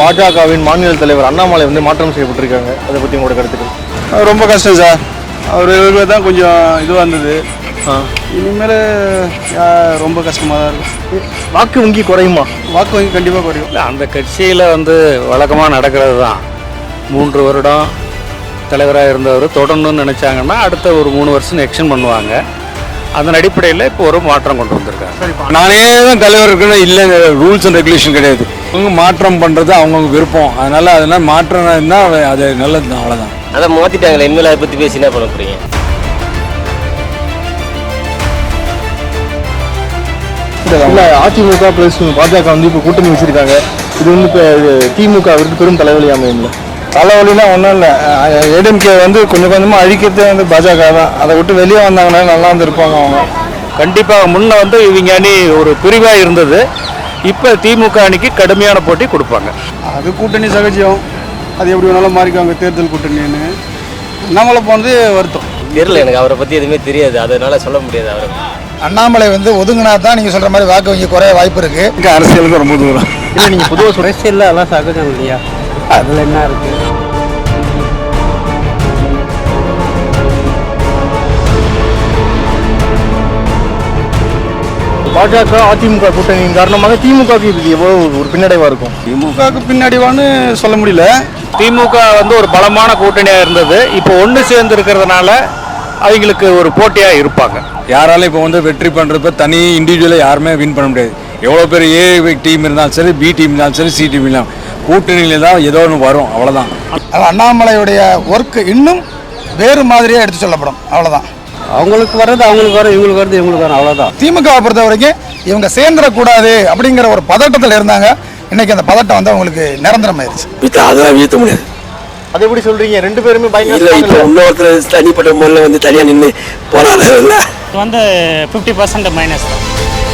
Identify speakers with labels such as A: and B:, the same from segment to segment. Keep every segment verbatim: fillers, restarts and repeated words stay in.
A: பாஜகவின் மாநில தலைவர் அண்ணாமலை வந்து மாற்றம் செய்யப்பட்டிருக்காங்க. அதை பற்றி உங்களோட கருத்துக்கள்?
B: ரொம்ப கஷ்டம் சார். அவர் தான் கொஞ்சம் இதுவாக இருந்தது. இனிமேல் ரொம்ப கஷ்டமாக தான் இருக்கும்.
A: வாக்கு வங்கி குறையுமா?
B: வாக்கு வங்கி கண்டிப்பாக குறையும்.
C: இல்லை, அந்த கட்சியில் வந்து வழக்கமாக நடக்கிறது தான். மூன்று வருடம் தலைவராக இருந்தவர் தொடரணும்னு நினச்சாங்கன்னா அடுத்த ஒரு மூணு வருஷம் எக்ஸ்டெண்ட் பண்ணுவாங்க. அதன் அடிப்படையில் இப்போ ஒரு மாற்றம் கொண்டு வந்திருக்காங்க.
B: நானே தான் தலைவர் இருக்குன்னு இல்லை, ரூல்ஸ் அண்ட் ரெகுலேஷன் கிடையாது. அவங்க மாற்றம் பண்ணுறது அவங்கவுங்க விருப்பம். அதனால் அதனால் மாற்றம் இருந்தால் அது நல்லது தான், அவ்வளோதான்.
D: அதை மாற்றிட்டாங்களே, இனிமேல் அதை பற்றி பேசி என்ன பண்ண போகிறீங்க?
A: இல்லை, அதிமுக ப்ளஸ் பாஜக வந்து இப்போ கூட்டணி வச்சுருக்காங்க. இது வந்து இப்போ திமுகவிற்கு பெரும் தலைவலி அமையும்ல?
B: தலைவலினா ஒன்றும் இல்லை. ஏடிஎம்கே வந்து கொஞ்சம் கொஞ்சமாக அழிக்கிறதே வந்து பாஜக தான். அதை விட்டு வெளியே வந்தாங்கன்னா நல்லா இருந்திருப்பாங்க அவங்க.
C: கண்டிப்பாக முன்ன வந்து இவங்க அணி ஒரு பிரிவாக இருந்தது. இப்போ திமுக அணிக்கு கடுமையான போட்டி கொடுப்பாங்க.
B: அது கூட்டணி சகஜம். அது எப்படி வேணாலும் மாறிக்குவாங்க தேர்தல் கூட்டணின்னு. அண்ணாமலை போனது வருத்தம்.
D: தெரியல, எனக்கு அவரை பற்றி எதுவுமே தெரியாது, அதனால சொல்ல முடியாது. அவரை
E: அண்ணாமலை வந்து ஒதுங்கினா தான் நீங்கள் சொல்கிற மாதிரி வாக்கு வங்கி குறைய வாய்ப்பு இருக்குது.
B: இங்கே அரசியலுக்கு ரொம்ப தூரம்
A: இல்லை. நீங்கள் பொதுவாக
F: அரசியலில் அதெல்லாம் சகஜம் இல்லையா? அதில் என்ன இருக்குது?
A: பாஜக அதிமுக கூட்டணியின் காரணமாக திமுகவுக்கு இது எவ்வளோ ஒரு பின்னடைவாக இருக்கும்?
B: திமுகவுக்கு பின்னாடிவான்னு சொல்ல முடியல.
C: திமுக வந்து ஒரு பலமான கூட்டணியாக இருந்தது. இப்போ ஒன்று சேர்ந்து இருக்கிறதுனால அவங்களுக்கு ஒரு போட்டியாக இருப்பாங்க.
B: யாராலும் இப்போ வந்து வெற்றி பண்ணுறப்ப தனி இண்டிவிஜுவலாக யாருமே வின் பண்ண முடியாது. எவ்வளோ பேர் ஏ டீம் இருந்தாலும் சரி, பி டீம் இருந்தாலும் சரி, சி டீம் இருந்தாலும் கூட்டணியில் தான் ஏதோ ஒன்று வரும், அவ்வளோதான்.
E: அண்ணாமலையுடைய ஒர்க் இன்னும் வேறு மாதிரியாக எடுத்து சொல்லப்படும், அவ்வளோதான்.
F: அவங்களுக்கு வர்றது அவங்களுக்கு வரும், இவங்களுக்கு வர்றது இவங்களுக்கு வரும், அவ்வளோதான்.
E: திமுகவை பொறுத்த வரைக்கும் இவங்க சேர்ந்துடக்கூடாது அப்படிங்கிற ஒரு பதட்டத்தில் இருந்தாங்க. இன்னைக்கு அந்த பதட்டம் வந்து அவங்களுக்கு நிரந்தரமாயிருச்சு.
G: அதெல்லாம் வீழ்த்த முடியாது.
A: அதை எப்படி சொல்றீங்க? ரெண்டு பேருமே
G: இல்லை, இப்போ இன்னொருத்தர் தனிப்பட்ட முறையில் வந்து தனியாக நின்று போராடுறது இல்லை.
H: வந்து ஃபிஃப்டி பர்சன்ட் மைனஸ் தான்.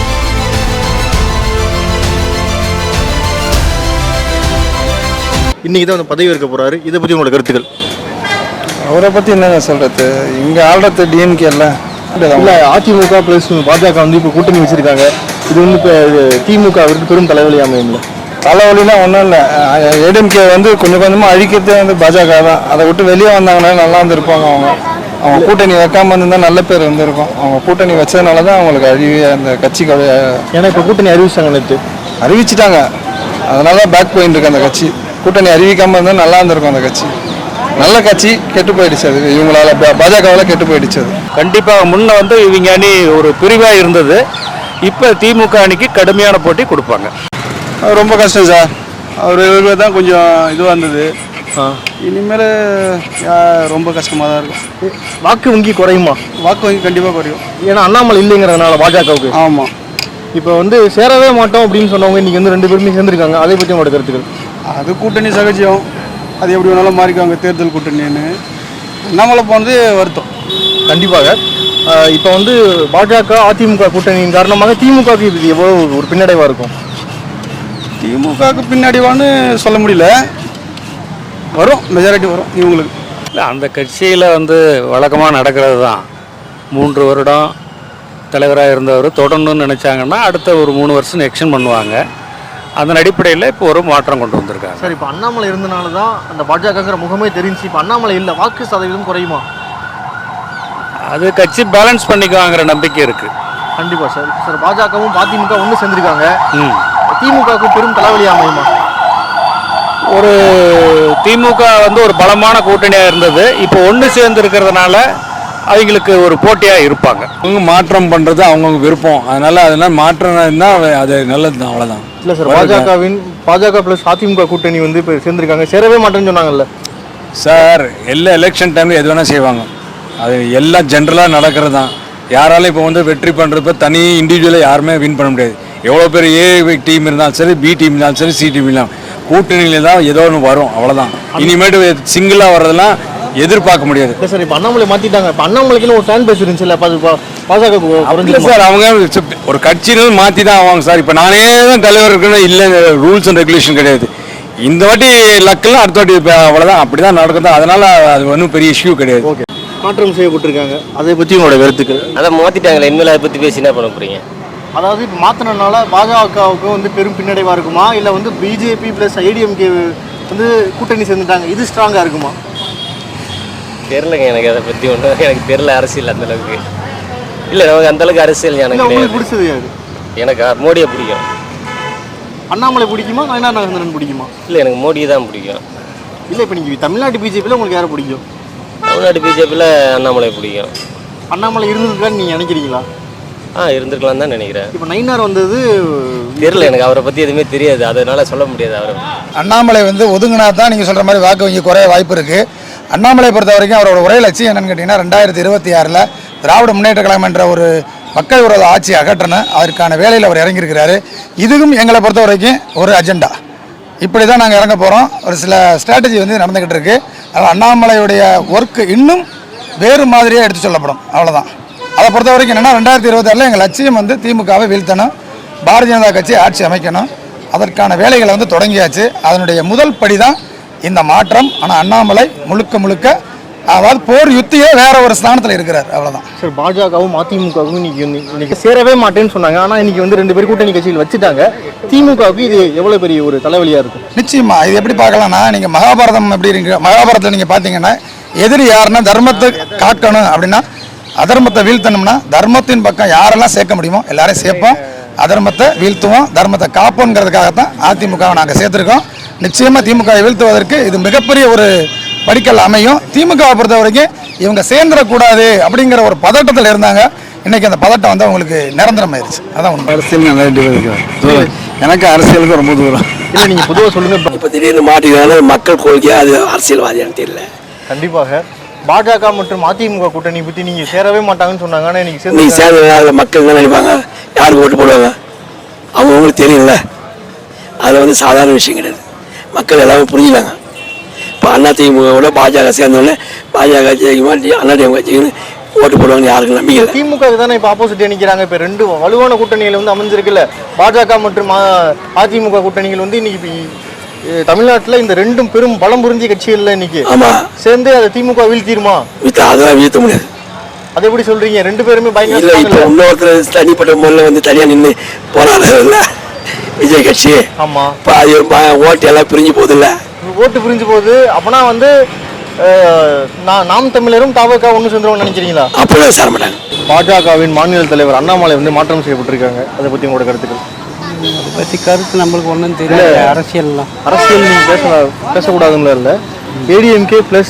A: இன்னைக்கு தான் வந்து பதவி இருக்க போறாரு. இதை பற்றி உங்களோட கருத்துக்கள்?
B: அவரை பற்றி என்னங்க சொல்கிறது? இங்கே ஆள்றது டிஎம்கே இல்லை.
A: இல்லை, அதிமுக ப்ளஸ் பாஜக வந்து இப்போ கூட்டணி வச்சுருக்காங்க. இது வந்து இப்போ திமுகவிற்கு பெரும் தலைவலி அமையும்ல?
B: தலைவலினா ஒன்றும் இல்லை. ஏடிஎம்கே வந்து கொஞ்சம் கொஞ்சமாக அழிக்கிறதே வந்து பாஜக தான். அதை விட்டு வெளியே வந்தாங்கன்னா நல்லா இருந்திருப்பாங்க அவங்க. அவங்க கூட்டணி வைக்காமல் இருந்திருந்தால் நல்ல பேர் இருந்திருக்கும். அவங்க கூட்டணி வச்சதுனால தான் அவங்களுக்கு அழிவு அந்த கட்சிக்கு.
A: ஏன்னா இப்போ கூட்டணி அறிவிச்சாங்க, நேற்று
B: அறிவிச்சிட்டாங்க. அதனால தான் பேக் போயிட்டு இருக்கு அந்த கட்சி. கூட்டணி அறிவிக்காமல் இருந்தால் நல்லா இருந்திருக்கும் அந்த கட்சி. நல்ல கட்சி கெட்டு போயிடுச்சு. அது இவங்களால பாஜகவால் கெட்டு போயிடுச்சு. அது
C: கண்டிப்பாக முன்ன வந்து இவங்க அணி ஒரு பிரிவாக இருந்தது. இப்போ திமுக அணிக்கு கடுமையான போட்டி கொடுப்பாங்க.
B: ரொம்ப கஷ்டம் சார். அவர் தான் கொஞ்சம் இதுவாக இருந்தது. இனிமேல் ரொம்ப கஷ்டமாக தான் இருக்கும்.
A: வாக்கு வங்கி குறையுமா?
B: வாக்கு வங்கி கண்டிப்பாக குறையும்.
A: ஏன்னா அண்ணாமலை இல்லைங்கிறதுனால பாஜகவுக்கு.
B: ஆமாம்.
A: இப்போ வந்து சேரவே மாட்டோம் அப்படின்னு சொன்னவங்க இன்றைக்கி வந்து ரெண்டு பேருமே சேர்ந்துருக்காங்க. அதை பற்றி உங்களோட கருத்துக்கள்?
B: அது கூட்டணி சகஜம். அது எப்படி வேணாலும் மாறிக்குவாங்க தேர்தல் கூட்டணின்னு. அண்ணாமலை போனது வருத்தம்.
A: கண்டிப்பாக. இப்போ வந்து பாஜக அதிமுக கூட்டணியின் காரணமாக திமுகவுக்கு இது எவ்வளோ ஒரு பின்னடைவாக இருக்கும்?
B: திமுகவுக்கு பின்னாடிவான்னு சொல்ல முடியல. வரும், மெஜாரிட்டி வரும் இவங்களுக்கு.
C: இல்லை, அந்த கட்சியில் வந்து வழக்கமாக நடக்கிறது தான். மூன்று வருடம் தலைவராக இருந்தவர் தொடரணும்னு நினச்சாங்கன்னா அடுத்த ஒரு மூணு வருஷம் எக்ஸ்டெண்ட் பண்ணுவாங்க. அதன் அடிப்படையில் இப்போ ஒரு மாற்றம் கொண்டு வந்திருக்காங்க.
A: சார், இப்போ அண்ணாமலை இருந்தனால தான் அந்த பாஜகங்கிற முகமே தெரிஞ்சு. இப்போ அண்ணாமலை இல்லை, வாக்கு சதவீதம் குறையுமா?
C: அது கட்சி பேலன்ஸ் பண்ணிக்குவாங்கிற நம்பிக்கை இருக்குது.
A: கண்டிப்பாக சார். சார், பாஜகவும் அதிமுக ஒன்று சேர்ந்துருக்காங்க.
C: ம்
A: திமுகவுக்கு பெரும் தலைவலி அமையுமா?
C: ஒரு திமுக வந்து ஒரு பலமான கூட்டணியாக இருந்தது. இப்போ ஒன்று சேர்ந்து இருக்கிறதுனால அவங்களுக்கு ஒரு போட்டியாக இருப்பாங்க.
B: அவங்க மாற்றம் பண்ணுறது அவங்கவுங்க விருப்பம். அதனால் அதனால் மாற்றம் இருந்தால் அது நல்லது தான், அவ்வளோதான்.
A: இல்லை சார், பாஜகவின் பாஜக ப்ளஸ் அதிமுக கூட்டணி வந்து இப்போ சேர்ந்துருக்காங்க. சேரவே மாட்டேன்னு சொன்னாங்கல்ல
B: சார்? எல்லா எலெக்ஷன் டைமில் எது வேணால் செய்வாங்க. அது எல்லாம் ஜென்ரலாக நடக்கிறது தான். யாராலும் இப்போ வந்து வெற்றி பண்ணுறப்ப தனி இண்டிவிஜுவலாக யாருமே வின் பண்ண முடியாது. எவ்வளோ பேர் ஏ டீம் இருந்தாலும் சரி, பி டீம் இருந்தாலும் சரி, சி டீம் இருந்தாலும் கூட்டணியில் தான் ஏதோ ஒன்று வரும், அவ்வளோதான். இனிமேட்டு சிங்கிளாக வர்றதெல்லாம் எதிர்பார்க்க முடியாது.
A: இல்லை சார், இப்போ அண்ணாமலை மாற்றிட்டாங்க. இப்போ அண்ணாமலைக்குன்னு ஒரு ஃபேன் பேஸ் இருந்துச்சு இல்லை பாஜக
B: சார்? அவங்க ஒரு கட்சியிலும் மாற்றி தான் ஆவாங்க சார். இப்போ நானே தான் தலைவர் இருக்குன்னு இல்லை, ரூல்ஸ் அண்ட் ரெகுலேஷன் கிடையாது. இந்த வாட்டி லக்கெல்லாம் அடுத்த வாட்டி இப்போ அவ்வளோதான், அப்படி தான் நடக்குது. அதனால் அது ஒன்றும் பெரிய இஷ்யூ கிடையாது.
A: ஓகே, மாற்றம் செய்யப்பட்டிருக்காங்க. அதை பற்றி உங்களோட கருத்துக்கள்?
D: அதை மாற்றிட்டாங்களே, இனிமேல் அதை பற்றி பேசி என்ன பண்ண போகிறீங்க?
A: அதாவது இப்போ மாற்றினால பாஜகவுக்கு வந்து பெரும் பின்னடைவாக இருக்குமா, இல்லை வந்து பிஜேபி ப்ளஸ் ஏடிஎம்கே வந்து கூட்டணி சேர்ந்துட்டாங்க, இது ஸ்ட்ராங்காக இருக்குமா?
D: தெரிலங்க எனக்கு அதை பற்றி ஒன்றும் எனக்கு தெரில அரசியல் அந்தளவுக்கு. இல்லை நமக்கு அந்தளவுக்கு அரசியல் எனக்கு
A: உங்களுக்கு
D: கிடையாது.
A: பிடிச்சது யாரு?
D: எனக்கு மோடியை பிடிக்கும்.
A: அண்ணாமலை பிடிக்குமா, நயனா நாகேந்திரன் பிடிக்குமா?
D: இல்லை எனக்கு மோடி தான் பிடிக்கும்.
A: இல்லை இப்போ நீங்கள் தமிழ்நாட்டு பிஜேபியில் உங்களுக்கு யாரை பிடிக்கும்?
D: தமிழ்நாடு பிஜேபியில் அண்ணாமலை பிடிக்கும்.
A: அண்ணாமலை இருந்திருக்கான்னு நீங்கள் நினைக்கிறீங்களா?
D: ஆ இருந்திருக்கலாம் தான் நினைக்கிறேன்.
A: இப்போ நயினார் வந்தது
D: தெரில எனக்கு அவரை பற்றி எதுவுமே தெரியாது, அதனால சொல்ல முடியாது. அவரை
E: அண்ணாமலை வந்து ஒதுங்கினா தான் நீங்கள் சொல்கிற மாதிரி வாக்கு வங்கி குறைய வாய்ப்பு இருக்குது. அண்ணாமலை பொறுத்த வரைக்கும் அவரோட ஒரே லட்சியம் என்னென்னு கேட்டிங்கன்னா ரெண்டாயிரத்தி இருபத்தி ஆறில் திராவிட முன்னேற்ற கழகம் என்ற ஒரு மக்கள் விரோத ஆட்சியை அகற்றணும், அதற்கான வேலையில் அவர் இறங்கியிருக்கிறாரு. இதுவும் எங்களை பொறுத்த வரைக்கும் ஒரு அஜெண்டா. இப்படி தான் நாங்கள் இறங்க போகிறோம். ஒரு சில ஸ்ட்ராட்டஜி வந்து நடந்துக்கிட்டு இருக்குது. அதனால் அண்ணாமலையுடைய ஒர்க்கு இன்னும் வேறு மாதிரியாக எடுத்து சொல்லப்படும், அவ்வளோதான். அதை பொறுத்த வரைக்கும் என்னென்னா ரெண்டாயிரத்தி இருபத்தி ஆறில் எங்கள் லட்சியம் வந்து திமுகவை வீழ்த்தணும், பாரதிய ஜனதா கட்சி ஆட்சி அமைக்கணும். அதற்கான வேலைகளை வந்து தொடங்கியாச்சு. அதனுடைய முதல் படி தான் இந்த மாற்றம். ஆனால் அண்ணாமலை முழுக்க முழுக்க அதாவது போர் யுத்தியே வேற ஒரு ஸ்தானத்தில் இருக்கிறார், அவ்வளோதான்.
A: சார் பாஜகவும் அதிமுகவும் இன்னைக்கு வந்து இன்னைக்கு சேரவே மாட்டேன்னு சொன்னாங்க. ஆனால் இன்னைக்கு வந்து ரெண்டு பேர் கூட்டணி கட்சிகள் வச்சுட்டாங்க. திமுகவுக்கு இது எவ்வளோ பெரிய ஒரு தலைவலியாக இருக்கும்?
E: நிச்சயமா இது எப்படி பார்க்கலாம்னா, நீங்கள் மகாபாரதம் எப்படி இருக்கு, மகாபாரதத்தில் நீங்கள் பார்த்தீங்கன்னா எதிரி யாருன்னா தர்மத்தை காக்கணும் அப்படின்னா அதர்மத்தை வீழ்த்தணும்னா தர்மத்தின் பக்கம் யாரெல்லாம் சேர்க்க முடியுமோ எல்லாரையும் சேர்ப்போம், அதர்மத்தை வீழ்த்துவோம், தர்மத்தை காப்போங்கிறதுக்காகத்தான் அதிமுகவை நாங்கள் சேர்த்துருக்கோம். நிச்சயமாக திமுகவை வீழ்த்துவதற்கு இது மிகப்பெரிய ஒரு படிக்கல் அமையும். திமுகவை பொறுத்த வரைக்கும் இவங்க சேர்ந்துடக்கூடாது அப்படிங்கிற ஒரு பதட்டத்தில் இருந்தாங்க. இன்னைக்கு அந்த பதட்டம் வந்து அவங்களுக்கு நிரந்தரமாயிருச்சு. அதான் உண்மை.
B: அரசியல் எனக்கு அரசியலுக்கு ரொம்ப தூரம்.
A: இல்லை நீங்கள் பொதுவாக சொல்லுங்கள்.
G: இப்போ திடீர்னு மாட்டிக்கிறாங்க மக்கள் கோரிக்கையாக அது அரசியல்வாதியான்னு தெரியல.
A: கண்டிப்பாக பாஜக மற்றும் அதிமுக கூட்டணி பற்றி நீங்கள் சேரவே மாட்டாங்கன்னு சொன்னாங்க. ஆனால் இன்னைக்கு
G: நீ
A: சேர்ந்து
G: சேர்ந்த மக்கள் என்ன நினைப்பாங்க, யாருக்கு ஓட்டு போடுவாங்க அவங்களுக்கு தெரியல. அதில் வந்து சாதாரண விஷயம் கிடையாது, மக்கள் எல்லாமே புரிஞ்சுக்காங்க. இப்போ அண்ணா திமுகவோட பாஜக சேர்ந்தோடனே பாஜக ஜெயிக்குமா அண்ணா திமுக ஜெயிக்கணும் ஓட்டு போடுவாங்கன்னு யாருக்கும் நம்பிக்கை இல்லை.
A: திமுக தானே இப்போ ஆப்போசிட் நிற்கிறாங்க. இப்போ ரெண்டு வலுவான கூட்டணிகள் வந்து அமைஞ்சிருக்குல்ல, பாஜக மற்றும் அதிமுக கூட்டணிகள் வந்து இன்னைக்கு தமிழ்நாட்டில் இந்த ரெண்டும் பெரும் பலம் புரிஞ்ச கட்சிகள்ல இன்னைக்கு
G: ஆமாம்
A: சேர்ந்து அதை திமுக வீழ்த்திடுமா?
G: வீட்டு அதெல்லாம் வீழ்த்த முடியாது.
A: அதை எப்படி சொல்றீங்க? ரெண்டு பேருமே
G: இல்லை, இப்போ
A: பயங்கர
G: இன்னொருத்தர் தனிப்பட்ட முறையில் வந்து தனியாக நின்று போராடுறதில்ல விஜய் கட்சி.
A: ஆமா,
G: இப்போ அது ஓட்டு எல்லாம் பிரிஞ்சு போகுதில்ல,
A: ஓட்டு பிரிஞ்சு போகுது. அப்பனா வந்து நாம் தமிழரும் தாவக ஒன்று சேர்ந்துருவோம்னு நினைக்கிறீங்களா?
G: அப்படியே சேர மாட்டாங்க.
A: பாஜகவின் மாநில தலைவர் அண்ணாமலை வந்து மாற்றம் செய்யப்பட்டிருக்காங்க. அதை பற்றி உங்களோட கருத்துக்கள்?
F: அதை பற்றி கருத்து நம்மளுக்கு ஒன்றும் தெரியல. அரசியல்லாம்
A: அரசியல் நீங்கள் பேச பேசக்கூடாதுன்னு இல்லை. ஏடிஎம்கே ப்ளஸ்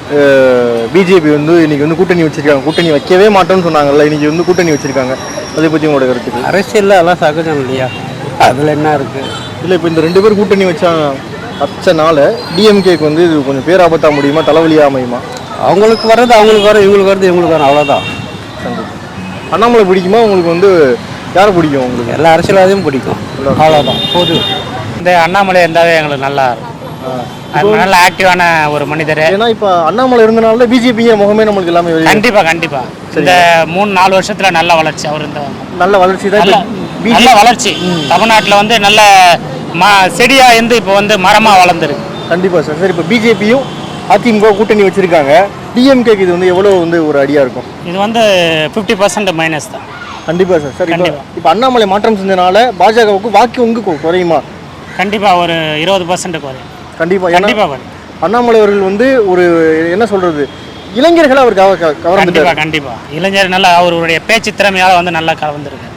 A: பிஜேபி வந்து இன்னைக்கு வந்து கூட்டணி வச்சிருக்காங்க. கூட்டணி வைக்கவே மாட்டோம்னு சொன்னாங்கல்ல, இன்னைக்கு வந்து கூட்டணி வச்சிருக்காங்க. அதை பற்றி உங்களோட கருத்துக்கள்?
F: அரசியலில் எல்லாம் சகஜம் இல்லையா, அதில் என்ன இருக்குது?
A: இல்லை, இப்போ இந்த ரெண்டு பேர் கூட்டணி வச்சா வச்சனால டிஎம்கேக்கு வந்து இது கொஞ்சம் பேராபத்தாக முடியுமா, தலைவலியாக அமையுமா?
F: அவங்களுக்கு வர்றது அவங்களுக்கு வரும், இவங்களுக்கு வர்றது இவங்களுக்கு வரும், அவ்வளோதான்.
A: அண்ணாமலை பிடிக்குமா உங்களுக்கு? வந்து யாரை பிடிக்கும் உங்களுக்கு?
F: எல்லா அரசியல்வாதியும் பிடிக்கும், அவ்வளோதான். பொது
H: இந்த அண்ணாமலை இருந்தாவே எங்களுக்கு நல்லா இருக்கும். நல்ல ஆக்டிவான ஒரு மனிதர்.
A: ஏன்னா இப்போ அண்ணாமலை இருந்தனால பிஜேபிங்க முகமே நம்மளுக்கு எல்லாமே வெளியே.
H: கண்டிப்பா கண்டிப்பா இந்த மூணு நாலு வருஷத்துல நல்ல வளர்ச்சி. அவர் இந்த
A: நல்ல வளர்ச்சி தான்,
H: நல்ல வளர்ச்சி. தமிழ்நாட்டில் வந்து நல்ல மா செடியா இருந்து இப்போ வந்து மரமா வளர்ந்துருக்கு.
A: கண்டிப்பா சார். சரி, இப்போ பிஜேபியும் அதிமுக கூட்டணி வச்சிருக்காங்க. டிஎம்கேக்கு இது வந்து எவ்வளோ வந்து ஒரு அடியா இருக்கும்?
H: இது வந்து ஃபிஃப்டி பர்சன்ட் மைனஸ் தான்.
A: கண்டிப்பா சார். சரி, இப்போ அண்ணாமலை மாற்றம் செஞ்சனால பாஜகவுக்கு வாக்கு உங்கு குறையுமா?
H: கண்டிப்பா ஒரு இருபது பர்சன்ட் குறையும்.
A: கண்டிப்பா
H: கண்டிப்பா.
A: அண்ணாமலை அவர்கள் வந்து ஒரு என்ன சொல்றது, இளைஞர்களை அவர் கவர்ந்து.
H: கண்டிப்பா கண்டிப்பா இளைஞர் நல்லா அவருடைய பேச்சு திறமையால வந்து நல்லா கவர்ந்துருக்கு.